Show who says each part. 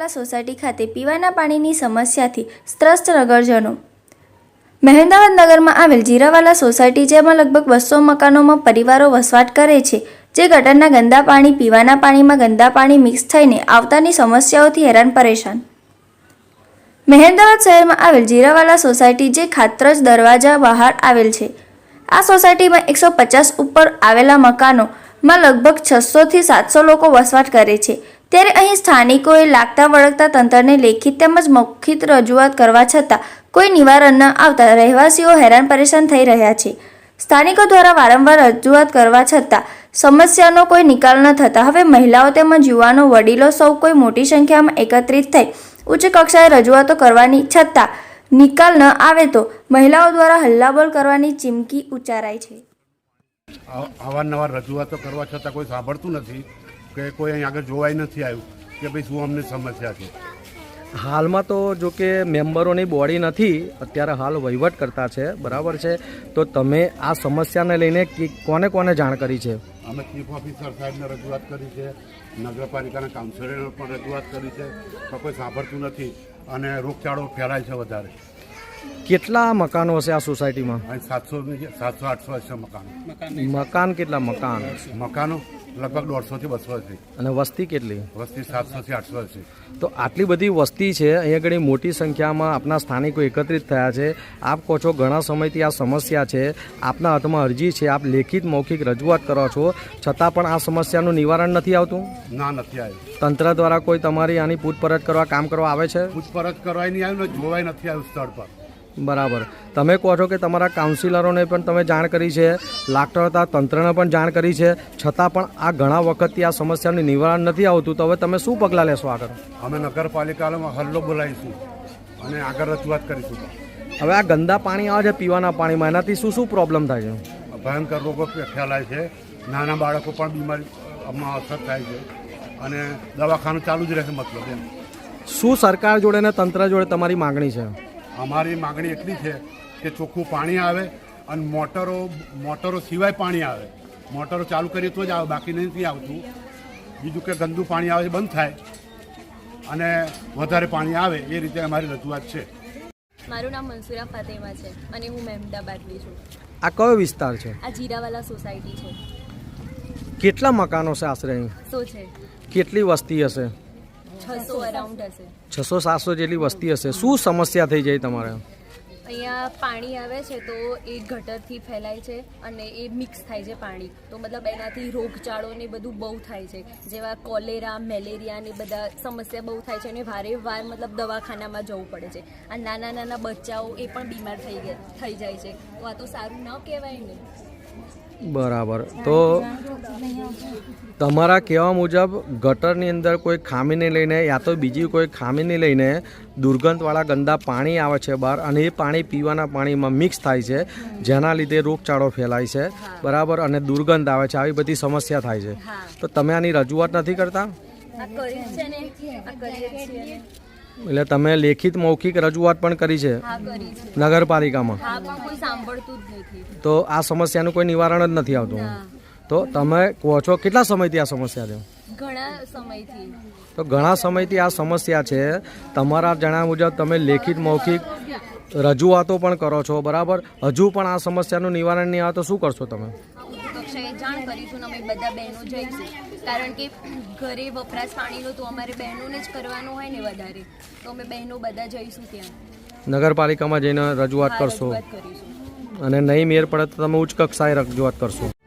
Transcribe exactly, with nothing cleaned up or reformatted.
Speaker 1: જીરાવાલા society ખાતે પીવાના પાણીની સમસ્યાથી ત્રસ્ત નગરજનો। મહેમદાવાદ નગરમાં આવેલ જીરાવાલા સોસાયટી જેમાં લગભગ બસો મકાનોમાં પરિવારો વસવાટ કરે છે, જે ગટરના ગંદા પાણી, પીવાના પાણીમાં ગંદા પાણી મિક્સ થઈને આવતાની સમસ્યાઓથી હેરાન પરેશાન। મહેમદાવાદ શહેરમાં આવેલ જીરાવાલા સોસાયટી જે ખાતરજ દરવાજા બહાર આવેલ છે। આ સોસાયટીમાં એકસો પચાસ ઉપર આવેલા મકાનોમાં લગભગ છસો થી સાતસો લોકો વસવાટ કરે છે, ત્યારે અહીં સ્થાનિકોએ લાગતા વળગતા તંત્રને લેખિત તેમજ મૌખિક રજૂઆત કરવા છતાં કોઈ નિવારણ ન આવતા રહેવાસીઓ હેરાન પરેશાન થઈ રહ્યા છે। સ્થાનિકો દ્વારા વારંવાર રજૂઆત કરવા છતાં સમસ્યાનો કોઈ નિકાલ ન થતા હવે મહિલાઓ તેમજ યુવાનો, વડીલો સૌ કોઈ મોટી સંખ્યામાં એકત્રિત થઈ ઉચ્ચ કક્ષાએ રજૂઆતો કરવાની છતાં નિકાલ ન આવે તો મહિલાઓ દ્વારા હલ્લાબોલ કરવાની ચીમકી ઉચ્ચારાઈ છે।
Speaker 2: અવારનવાર રજૂઆતો કરવા છતાં કોઈ સાંભળતું નથી કે કોઈ અહીં આગળ જોવાય નથી આવ્યું કે ભાઈ શું અમને સમસ્યા છે।
Speaker 3: હાલમાં તો જો કે મેમ્બરોની બોડી નથી, અત્યારે હાલ વહીવટ કરતા છે, બરાબર છે। તો તમે આ સમસ્યાને લઈને કોને કોને જાણ કરી છે?
Speaker 2: અમે ચીફ ઓફિસર સાહેબને રજૂઆત કરી છે, નગરપાલિકાના કાઉન્સિલરને પણ રજૂઆત કરી છે, તો કોઈ સાંભળતું નથી અને રોગચાળો ફેલાય છે વધારે।
Speaker 3: કેટલા મકાનો હશે આ સોસાયટીમાં?
Speaker 2: અહીં સાતસો સાતસો આઠસો હશે મકાનો।
Speaker 3: મકાન કેટલા મકાન?
Speaker 2: મકાનો લગભગ દોઢસોથી બસો છે
Speaker 3: અને વસ્તી કેટલી?
Speaker 2: વસ્તી સાતસોથી આઠસો છે।
Speaker 3: તો આટલી બધી વસ્તી છે, અહીંયા ઘણી મોટી સંખ્યામાં આપના સ્થાનિકો એકત્રિત થયા છે। આપ કહો છો ઘણા સમયથી આ સમસ્યા છે, આપના હાથમાં અરજી છે, આપ લેખિત મૌખિક રજૂઆત કરો છો, છતાં પણ આ સમસ્યાનું નિવારણ નથી આવતું?
Speaker 2: ના, નથી આવ્યું।
Speaker 3: તંત્ર દ્વારા કોઈ તમારી આની પૂછપરછ કરવા, કામ કરવા આવે છે?
Speaker 2: પૂછપરછ કરવાય નહીં આવ્યું ને જોવાય નથી આવ્યું સ્થળ પર।
Speaker 3: બરાબર। તમે કહો છો કે તમારા કાઉન્સિલરોને પણ તમે જાણ કરી છે, લાગતા હતા તંત્રને પણ જાણ કરી છે, છતાં પણ આ ઘણા વખતથી આ સમસ્યાનું નિવારણ નથી આવતું, તો હવે તમે શું પગલાં લેશો આગળ?
Speaker 2: અમે નગરપાલિકામાં હલ્લો બોલાવીશું અને આગળ રજૂઆત કરીશું।
Speaker 3: હવે આ ગંદા પાણી આવે છે પીવાના પાણીમાં, એનાથી શું શું પ્રોબ્લેમ થાય છે?
Speaker 2: ભયંકર રોગો ફેલાય છે, નાના બાળકો પણ બીમારીમાં અસર થાય છે અને દવાખાનું ચાલુ જ રહેશે। મતલબ એમ
Speaker 3: શું સરકાર જોડે ને તંત્ર જોડે તમારી માગણી છે?
Speaker 2: અમારી માગણી એટલી છે કે ચોખ્ખું પાણી આવે અને મોટરો મોટરો સિવાય પાણી આવે, મોટરો ચાલુ કરીએ તો જ આવે, બાકી નથી આવતું। બીજું કે ગંદુ પાણી આવે બંધ થાય અને વધારે પાણી આવે, એ રીતે અમારી રજૂઆત છે।
Speaker 4: મારું નામ મંસુરા ફાતેમા છે અને હું મહેમદાબાદની છું।
Speaker 3: આ કયો વિસ્તાર છે?
Speaker 4: આ જીરાવાલા સોસાયટી છે।
Speaker 3: કેટલા મકાનો છે આશરે અહીં?
Speaker 4: સો છે।
Speaker 3: કેટલી વસ્તી હશે?
Speaker 4: છસો અરાઉન્ડ હશે।
Speaker 3: છસો સાતસો જેટલી વસ્તી હશે। શું સમસ્યા થઈ જાય તમારે?
Speaker 4: અહીંયા પાણી આવે છે તો એ ગટરથી ફેલાય છે અને એ મિક્સ થાય છે પાણી, તો મતલબ એનાથી રોગચાળો ને બધું બહુ થાય છે, જેવા કોલેરા, મેલેરિયા ને બધા સમસ્યા બહુ થાય છે અને વારે વાર મતલબ દવાખાનામાં જવું પડે છે। આ નાના નાના બચ્ચાઓ એ પણ બીમાર થઈ ગયા થઈ જાય છે, તો આ તો સારું ન કહેવાય ને।
Speaker 3: બરાબર। તો તમારા કહેવા મુજબ ગટરની અંદર કોઈ ખામીને લઈને યા તો બીજી કોઈ ખામીને લઈને દુર્ગંધવાળા ગંદા પાણી આવે છે બહાર અને એ પાણી પીવાના પાણીમાં મિક્સ થાય છે, જેના લીધે રોગચાળો ફેલાય છે, બરાબર, અને દુર્ગંધ આવે છે, આવી બધી સમસ્યા થાય છે। તો તમે આની રજૂઆત નથી કરતા? એટલે તમે લેખિત મૌખિક રજૂઆત પણ કરી છે નગરપાલિકામાં? તો આ સમસ્યાનું કોઈ નિવારણ જ નથી આવતું? તો તમે કહો છો કેટલા સમયથી આ સમસ્યા છે?
Speaker 4: ઘણા સમયથી।
Speaker 3: તો ઘણા સમયથી આ સમસ્યા છે, તમારા જણાવ્યા મુજબ તમે લેખિત મૌખિક રજૂઆતો પણ કરો છો, બરાબર, હજુ પણ આ સમસ્યાનું નિવારણ નહીં આવે તો શું કરશો તમે?
Speaker 4: કક્ષાએ જાણ કરીશું, અમે બધા બહેનો જઈશું, કારણ કે ઘરે વપરાશ પાણીનું તો અમારે બહેનોને જ કરવાનું હોય ને વધારે, તો અમે બહેનો બધા જઈશું ત્યાં
Speaker 3: નગરપાલિકામાં જઈને રજૂઆત કરશો, અને નહીં મેર પડે તો તમે ઉચ્ચ કક્ષાએ રજૂઆત કરશો?